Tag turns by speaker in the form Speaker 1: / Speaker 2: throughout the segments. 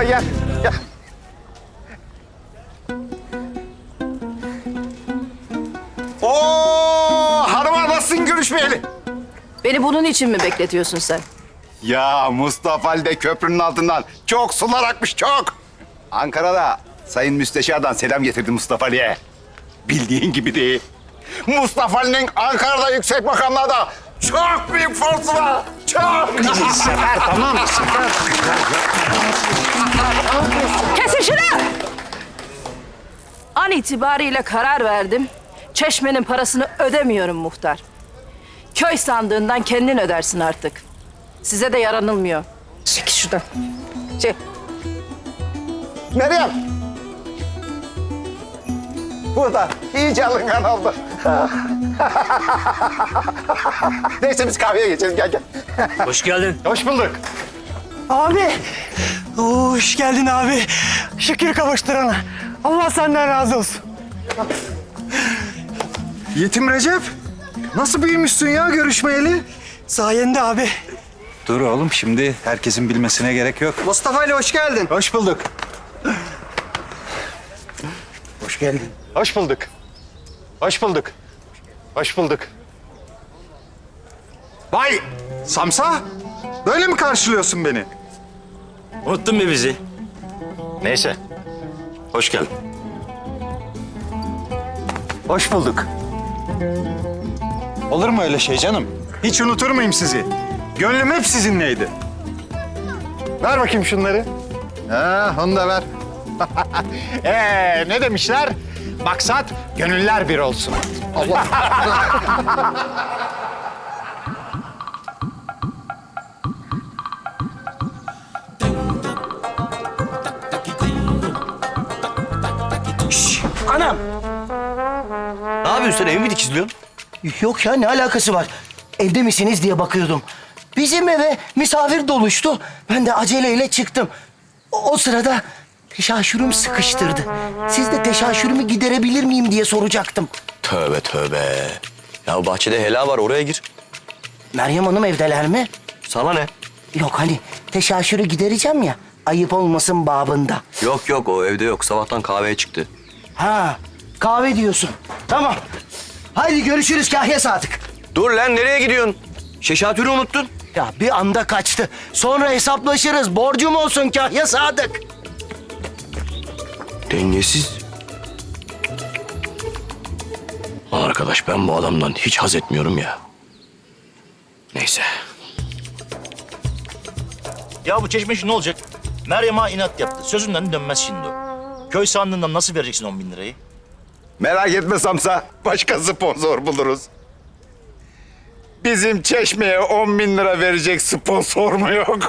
Speaker 1: gel. Gel. Oo, hanıma nasılsın görüşmeyeli?
Speaker 2: Beni bunun için mi bekletiyorsun sen?
Speaker 1: Ya Mustafa Ali de köprünün altından çok sular akmış çok. Ankara'da Sayın Müsteşar'dan selam getirdi Mustafa Ali'ye. Bildiğin gibi değil. Mustafa Ali'nin Ankara'da yüksek makamlarda çok büyük forsu var. Çok.
Speaker 3: Sefer tamam Sefer.
Speaker 2: Kesin şunu! An itibariyle karar verdim. Çeşmenin parasını ödemiyorum muhtar. Köy sandığından kendin ödersin artık. Size de yaranılmıyor. Çekil şuradan. Çek.
Speaker 1: Meryem. Burada iyice alıngan oldu. Neyse biz kahveye geçelim gel gel.
Speaker 4: Hoş geldin.
Speaker 1: Hoş bulduk.
Speaker 3: Abi. Hoş geldin abi. Şükür kavuşturana. Allah senden razı olsun.
Speaker 5: Yetim Recep, nasıl büyümüşsün ya görüşmeyeli?
Speaker 3: Sayende abi.
Speaker 5: Dur oğlum, şimdi herkesin bilmesine gerek yok.
Speaker 3: Mustafa ile hoş geldin.
Speaker 5: Hoş bulduk.
Speaker 3: Hoş geldin.
Speaker 1: Hoş bulduk. Hoş bulduk. Hoş bulduk.
Speaker 5: Vay Samsa, böyle mi karşılıyorsun beni?
Speaker 4: Unuttun mu bizi? Neyse. Hoş geldin.
Speaker 5: Hoş bulduk. Olur mu öyle şey canım? Hiç unutur muyum sizi? Gönlüm hep sizinleydi.
Speaker 1: Ver bakayım şunları. Ha, onu da ver. Ne demişler? Maksat gönüller bir olsun. Allah.
Speaker 3: Anam.
Speaker 4: Ne yapıyorsun sen? Evi mi dikizliyorsun?
Speaker 3: Yok ya ne alakası var? Evde misiniz diye bakıyordum. Bizim eve misafir doluştu. Ben de aceleyle çıktım. O sırada teşaşürüm sıkıştırdı. Siz de teşaşürümü giderebilir miyim diye soracaktım.
Speaker 4: Tövbe tövbe. Ya bahçede helal var, oraya gir.
Speaker 3: Meryem Hanım evdeler mi?
Speaker 4: Sana ne?
Speaker 3: Yok hani teşaşürü gidereceğim ya. Ayıp olmasın babında.
Speaker 4: Yok yok, o evde yok. Sabahtan kahveye çıktı.
Speaker 3: Ha kahve diyorsun. Tamam. Haydi görüşürüz Kahya Sadık.
Speaker 4: Dur lan, nereye gidiyorsun? Şeşatürü unuttun.
Speaker 3: Ya bir anda kaçtı. Sonra hesaplaşırız. Borcum olsun Kahya Sadık.
Speaker 4: Dengesiz. Lan arkadaş, ben bu adamdan hiç haz etmiyorum ya. Neyse.
Speaker 6: Ya bu çeşme işi ne olacak? Meryem Ağa inat yaptı. Sözünden dönmez şimdi o. Köy sandığından nasıl vereceksin 10 bin lirayı?
Speaker 1: Merak etme Samsa. Başka sponsor buluruz. Bizim Çeşme'ye 10 bin lira verecek sponsor mu yok?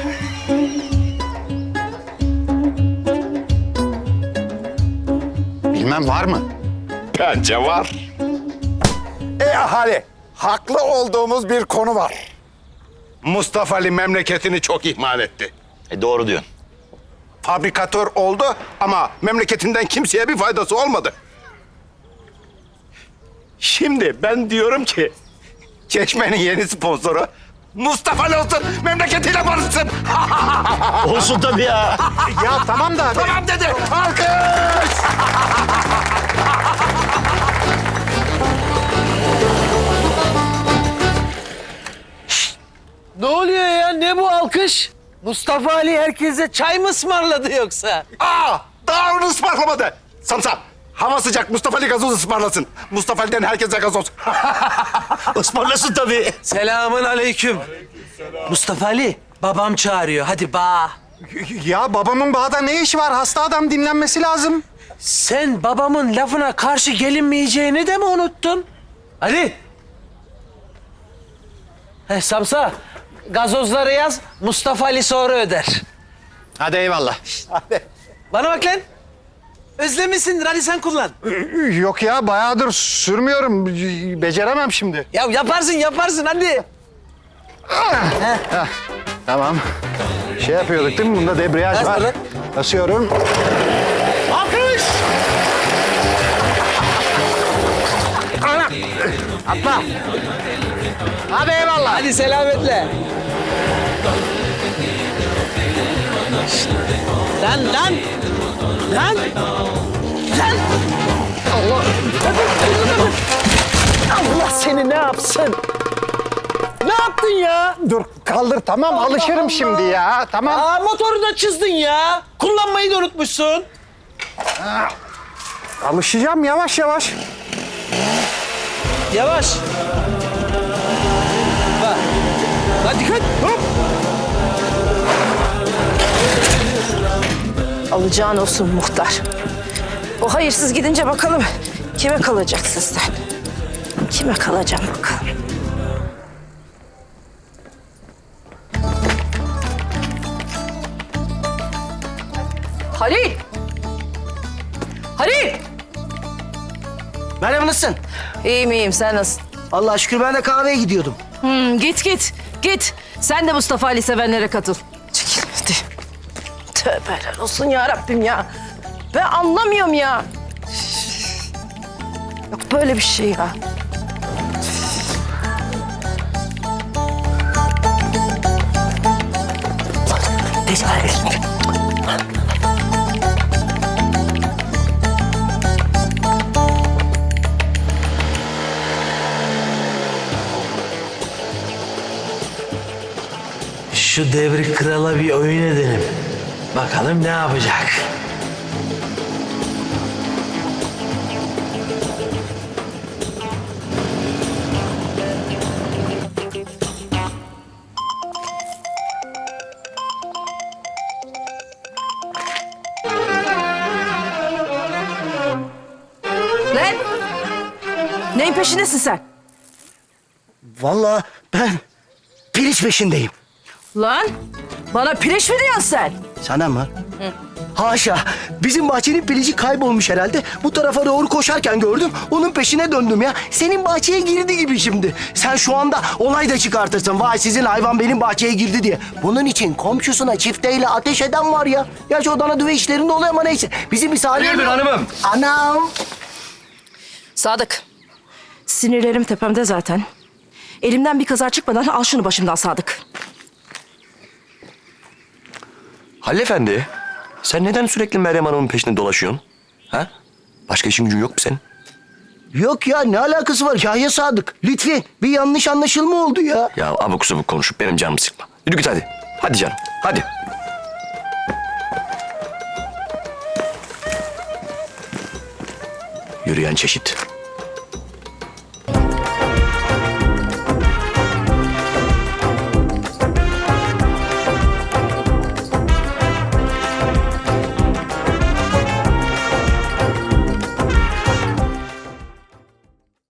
Speaker 5: Bilmem var mı?
Speaker 1: Bence var. Ahali, haklı olduğumuz bir konu var. Mustafa Ali memleketini çok ihmal etti.
Speaker 6: Doğru diyorsun.
Speaker 1: Fabrikatör oldu ama memleketinden kimseye bir faydası olmadı. Şimdi ben diyorum ki Çeşme'nin yeni sponsoru Mustafa Ali olsun, memleketiyle barışsın.
Speaker 6: Olsun tabii ya.
Speaker 5: Ya tamam da abi.
Speaker 1: Tamam dedi, alkış!
Speaker 7: Ne oluyor ya? Ne bu alkış? Mustafa Ali herkese çay mı ısmarladı yoksa?
Speaker 1: Daha onu ısmarlamadı. Samsa, hava sıcak, Mustafa Ali gazoz ısmarlasın. Mustafa Ali'den herkese gazoz.
Speaker 6: Ismarlasın tabii.
Speaker 7: Selamın aleyküm. Mustafa Ali, babam çağırıyor. Hadi bağ.
Speaker 5: Ya babamın bağda ne işi var? Hasta adam, dinlenmesi lazım.
Speaker 7: Sen babamın lafına karşı gelinmeyeceğini de mi unuttun? Ali. Samsa, gazozları yaz. Mustafa Ali sonra öder.
Speaker 5: Hadi eyvallah.
Speaker 7: Bana bak lan. Özlemişsindir. Hadi sen kullan.
Speaker 5: Yok ya, bayağıdır sürmüyorum. Beceremem şimdi.
Speaker 7: Ya yaparsın hadi.
Speaker 5: Tamam. Şey yapıyorduk değil mi? Bunda debriyaj
Speaker 7: Bas
Speaker 5: var.
Speaker 7: lan.
Speaker 5: Basıyorum.
Speaker 7: Alkış.
Speaker 5: Atla. Hadi eyvallah.
Speaker 7: Hadi selametle. Lan lan! Lan! Lan! Allah! Allah seni ne yapsın? Ne yaptın ya?
Speaker 5: Dur kaldır tamam alışırım
Speaker 7: Allah.
Speaker 5: şimdi ya. Tamam.
Speaker 7: Aa, motoru da çizdin ya. Kullanmayı da unutmuşsun.
Speaker 5: Alışacağım yavaş yavaş.
Speaker 7: Yavaş. Bak. Hadi dikkat. Hop.
Speaker 2: Alacağın olsun muhtar. O hayırsız gidince bakalım kime kalacak sizden? Kime kalacağım bakalım. Halil! Halil!
Speaker 3: Merhaba, nasılsın?
Speaker 2: İyiyim sen nasılsın?
Speaker 3: Allah'a şükür, ben de kahveye gidiyordum.
Speaker 2: Git. Sen de Mustafa Ali sevenlere katıl. Çekil hadi. Tövbeler olsun ya Rabbim ya. Ben anlamıyorum ya. Yok böyle bir şey ya.
Speaker 7: Şu devri krala bir oyun edelim. Bakalım ne yapacak?
Speaker 2: Lan! Neyin peşindesin sen?
Speaker 3: Vallahi ben piliç peşindeyim.
Speaker 2: Lan! Bana pireç mi diyorsun sen?
Speaker 3: Sana mı? Haşa. Bizim bahçenin pilici kaybolmuş herhalde. Bu tarafa doğru koşarken gördüm. Onun peşine döndüm ya. Senin bahçeye girdi gibi şimdi. Sen şu anda olay da çıkartırsın. Vay sizin hayvan benim bahçeye girdi diye. Bunun için komşusuna çifteyle ateş eden var ya. Gerçi o dana düve işlerinde oluyor ama neyse. Bizim bir saniye...
Speaker 4: Hayırdır hanımım?
Speaker 3: Anam.
Speaker 2: Sadık. Sinirlerim tepemde zaten. Elimden bir kaza çıkmadan al şunu başımdan Sadık.
Speaker 4: Halil Efendi, sen neden sürekli Meryem Hanım'ın peşinde dolaşıyorsun? Ha? Başka işin gücün yok mu senin?
Speaker 3: Yok ya, ne alakası var Yahya Sadık? Lütfen, bir yanlış anlaşılma oldu ya.
Speaker 4: Ya abuk subuk konuşup benim canımı sıkma. Yürü git hadi. Hadi canım, hadi. Yürüyen çeşit.